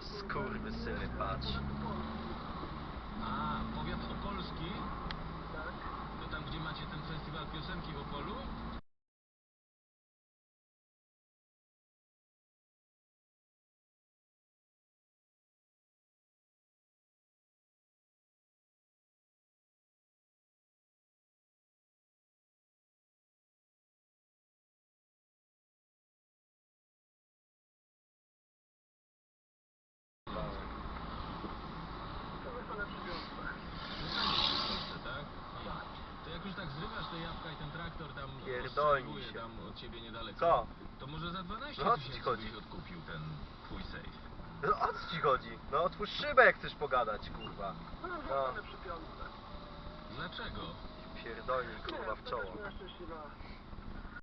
Skurwysyny, patrz. A, powiat opolski? Tak? To tam, gdzie macie ten festiwal piosenki w Opolu? To na przywiązkach. Tak? To jak już tak zrywasz te jabłka i ten traktor tam Pierdolnij ostrzeliwuje się. tam od ciebie niedaleko, Co? to może za 12 No, o co ci tysięcy chodzi? byś odkupił ten twój safe. No o co ci chodzi? No otwórz szybę, jak chcesz pogadać, kurwa. No, No. zostanę przy piątce. Dlaczego? Pierdolnij, kurwa, w czoło. To jest moja szczęśliwa